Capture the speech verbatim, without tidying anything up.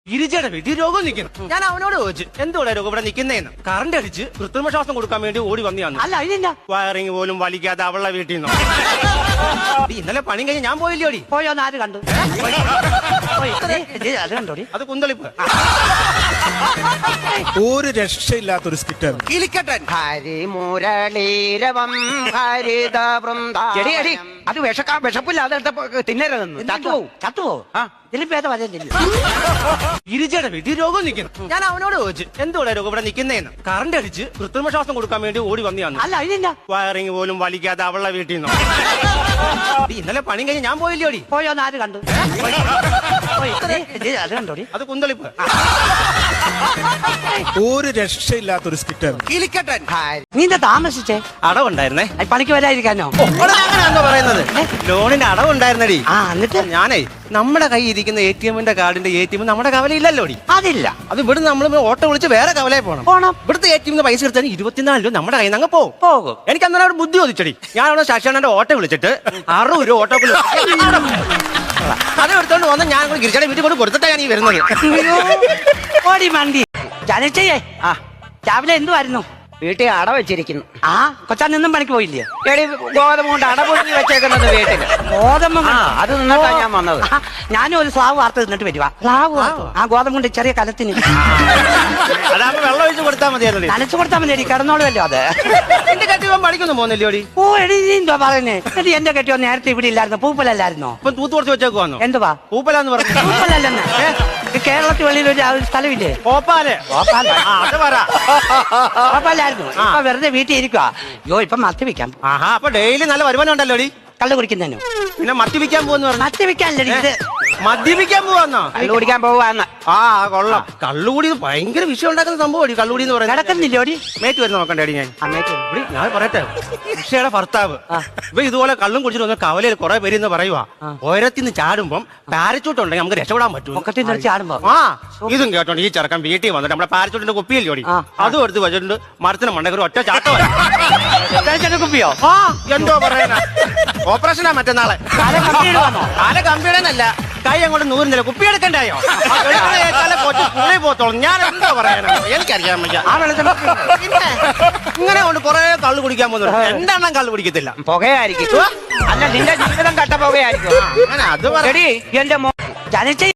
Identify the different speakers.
Speaker 1: ഗിരിജയുടെ വീട്ടിൽ രോഗം നിൽക്കുന്നു. ഞാൻ അവനോട് ചോദിച്ചു എന്തുകൂടെ രോഗം ഇവിടെ നിൽക്കുന്നതെന്ന്. കറണ്ട് അടിച്ച് കൃത്രിമ ശ്വാസം കൊടുക്കാൻ വേണ്ടി ഓടി വന്നു.
Speaker 2: അല്ല അതിനെന്താ
Speaker 1: വയറിങ് പോലും വലിക്കാതെ അവളുടെ വീട്ടിൽ നിന്ന് ഇന്നലെ പണി കഴിഞ്ഞ് ഞാൻ പോയില്ലോടി.
Speaker 2: പോയോന്ന് ആര് കണ്ടു? അത് കണ്ടോടി.
Speaker 1: അത് കുന്തളിപ്പ്.
Speaker 3: ഒരു രക്ഷയില്ലാത്തൊരു സ്കിറ്റ്.
Speaker 1: കിളിക്കട്ടൻ
Speaker 2: ഹരിമുരളീരവം ഹരിത
Speaker 4: എടി എടി അത് വിഷക്കാ വിഷപ്പില്ലാതെ തിന്നരുതെന്ന് ചത്തുപോവും
Speaker 2: ചത്തുപോകും. ഇതിലും ഭേദം അതല്ലേ.
Speaker 1: ഗിരിജയുടെ വീട്ടിൽ രോഗം നിൽക്കുന്നു. ഞാൻ അവനോട് ചോദിച്ചു എന്തുകൂടെ രോഗം ഇവിടെ നിൽക്കുന്നതെന്ന്. കറണ്ട് അടിച്ച് കൃത്രിമ ശ്വാസം കൊടുക്കാൻ വേണ്ടി ഓടി വന്നു.
Speaker 2: അല്ല അതിനെന്താ
Speaker 1: വയറിങ് പോലും വലിക്കാതെ അവളുടെ വീട്ടിൽ നിന്ന് ഇന്നലെ പണി കഴിഞ്ഞ് ഞാൻ പോയില്ലോടി.
Speaker 2: പോയോന്ന് ആര് കണ്ടു? അത് കണ്ടോടി.
Speaker 1: അത് കുന്തളിപ്പ്.
Speaker 3: ഒരു രക്ഷയില്ലാത്തൊരു സ്കിറ്റ്.
Speaker 1: കിളിക്കട്ടൻ
Speaker 2: നീ എന്താ താമസിച്ചേ?
Speaker 1: അടവുണ്ടായിരുന്നേ.
Speaker 2: പണിക്ക് വരാതിരിക്കാനോ?
Speaker 1: അങ്ങനെയാണോ പറയുന്നത്? ലോണിന്റെ അടവുണ്ടായിരുന്നടി.
Speaker 2: ആ എന്നിട്ട്
Speaker 1: ഞാനേ നമ്മുടെ കൈ ഇരിക്കുന്ന എ ടി എമ്മിന്റെ കാർഡിന്റെ എ ടി എം നമ്മുടെ കവലയില്ലല്ലോടി.
Speaker 2: അതില്ല.
Speaker 1: അത് ഇവിടെ നമ്മൾ ഓട്ടോ വിളിച്ച് വേറെ കവലയിൽ പോകണം.
Speaker 2: പോണം.
Speaker 1: ഇവിടുത്തെ എ ടി എമ്മിന് പൈസ എടുത്താൽ ഇരുപത്തിനാല് രൂപ നമ്മുടെ കയ്യിൽ നിന്ന് അങ്ങ് പോകും.
Speaker 2: പോകും.
Speaker 1: എനിക്ക് അന്നേരം അവിടെ ബുദ്ധി ചോദിച്ചടി. ഞാൻ അവിടെ ശശാണന്റെ ഓട്ടോ വിളിച്ചിട്ട് അറുപത് രൂപ ഓട്ടോ അത് എടുത്തോണ്ട് വന്ന് ഞാൻ ഗിരിജയുടെ വീട്ടിൽ കൊണ്ട് കൊടുത്തിട്ടാ ഞാൻ ഈ വരുന്നത്.
Speaker 2: ഓടി മണ്ടി ജനച്ചേ. ആ രാവിലെ എന്തുവായിരുന്നു?
Speaker 4: വീട്ടിൽ അട വെച്ചിരിക്കുന്നു.
Speaker 2: ആ കൊച്ചാൻ നിന്നും പണിക്ക് പോയില്ലേ?
Speaker 4: എടി ഗോതമ്പ് കൊണ്ട് അട പൊടിഞ്ഞ് വെച്ചേക്കുന്നത് വീട്ടില്.
Speaker 2: ഗോതമ്പ്
Speaker 4: ആ അത് നിന്നിട്ടാ ഞാൻ വന്നത്.
Speaker 2: ഞാനും ഒരു സ്ലാവ് വാർത്ത തിന്നിട്ട് വരുവാ. സ്ലാവ് ആ ഗോതമ്പ് കൊണ്ട് ചെറിയ കലത്തിന്
Speaker 1: അതാകുമ്പോ വെള്ളം ഒഴിച്ച് കൊടുത്താൽ മതിയായിരുന്നു.
Speaker 2: നനച്ചു കൊടുത്താൽ മതി. കിടന്നോളുമല്ലോ അത്.
Speaker 1: എന്റെ കെട്ടിയവൻ പണിക്കൊന്നും പോകുന്നില്ലോടി.
Speaker 2: ഓ എടി നീ എന്തുവാ പറയുന്നേ? എടി എന്റെ കെട്ടിയോ നേരത്തെ ഇവിടെ ഇല്ലായിരുന്നു. പൂപ്പലല്ലായിരുന്നോ?
Speaker 1: ഇപ്പൊ തൂത്ത് കുറച്ച് വെച്ചേക്ക് വന്നു.
Speaker 2: എന്തുവാ
Speaker 1: പൂപ്പലാന്ന് പറഞ്ഞു.
Speaker 2: പൂപ്പലല്ലെന്ന് കേരളത്തിൽ വെളിയിൽ ഒരു സ്ഥലമില്ലേ?
Speaker 1: പോപ്പാല്.
Speaker 2: പോപ്പാല്.
Speaker 1: അത് പറ.
Speaker 2: പോപ്പാലായിരുന്നു. ഇപ്പൊ വെറുതെ വീട്ടിൽ ഇരിക്കുക. അയ്യോ ഇപ്പൊ മദ്യപിക്കാം.
Speaker 1: ആഹാ അപ്പൊ ഡെയിലി നല്ല വരുമാനം ഉണ്ടല്ലോടി.
Speaker 2: കള്ളു കുടിക്കുന്നതിനു.
Speaker 1: പിന്നെ മദ്യപിക്കാൻ പോവെന്ന് പറഞ്ഞു.
Speaker 2: മദ്യപിക്കാനല്ലേ ഇത്?
Speaker 1: മദ്യപിക്കാൻ പോവാന്നോ?
Speaker 4: കള്ളു കുടിക്കാൻ പോവാന്ന്.
Speaker 1: ആ കൊള്ളാം. കള്ളുകൂടി ഭയങ്കര വിഷയം ഉണ്ടാക്കുന്ന സംഭവം കള്ളുകൂടി എന്ന് പറയുന്നത്.
Speaker 2: കിടക്കുന്നില്ലോടി?
Speaker 1: മേറ്റ് വരുന്ന നോക്കണ്ടേടി ഞാൻ.
Speaker 2: അമ്മയ്ക്ക്
Speaker 1: ഇവിടെ ഞാൻ പറയട്ടെ, ഉഷയുടെ ഭർത്താവ് ഇപ്പൊ ഇതുപോലെ കള്ളും കുടിച്ചിട്ട് വന്ന കവലയിൽ കുറെ പേര് എന്ന് പറയുവാ ഓരത്തിന്ന് ചാടുമ്പം പാരച്ചൂട്ട് ഉണ്ടെങ്കിൽ നമുക്ക് രക്ഷപ്പെടാൻ പറ്റും.
Speaker 2: പൊക്കത്തിൽ നിന്ന് ചാടുമ്പോ
Speaker 1: ആ ഇതും കേട്ടോണ്ട് ഈ ചെറുക്കൻ വീട്ടിൽ വന്നിട്ട് നമ്മുടെ പാരച്ചൂട്ടിന്റെ കുപ്പിയല്ലേ ഓടി അതും എടുത്ത് വെച്ചിട്ടുണ്ട്. മരത്തിന് മണ്ടക്കൊരു ഒറ്റ ചാട്ടം.
Speaker 2: കുപ്പിയോ?
Speaker 1: ആ എന്തോ പറയാനാ. ഓപ്പറേഷനാ മറ്റന്നാളെ. കാല കമ്പിയുടെന്നല്ല, കൈ അങ്ങോട്ട് നൂറില്ല. കുപ്പി എടുക്കണ്ടായോ? പുള്ളി പോത്തോളും. ഞാൻ എന്തോ പറയാനാ, എനിക്കറിയാൻ വയ്യ. പിന്നെ ഇങ്ങനെ കൊണ്ട് കുറെ കള്ളു കുടിക്കാൻ പോകുന്നു. എന്താണ് കള്ളു കുടിക്കത്തില്ല?
Speaker 4: പുകയായിരിക്കും. അല്ല നിന്റെ ജീവിതം കട്ട പുകയായിരിക്കും.
Speaker 1: അങ്ങനെ അത് പറ.
Speaker 4: എടി എന്റെ
Speaker 2: ജനിച്ച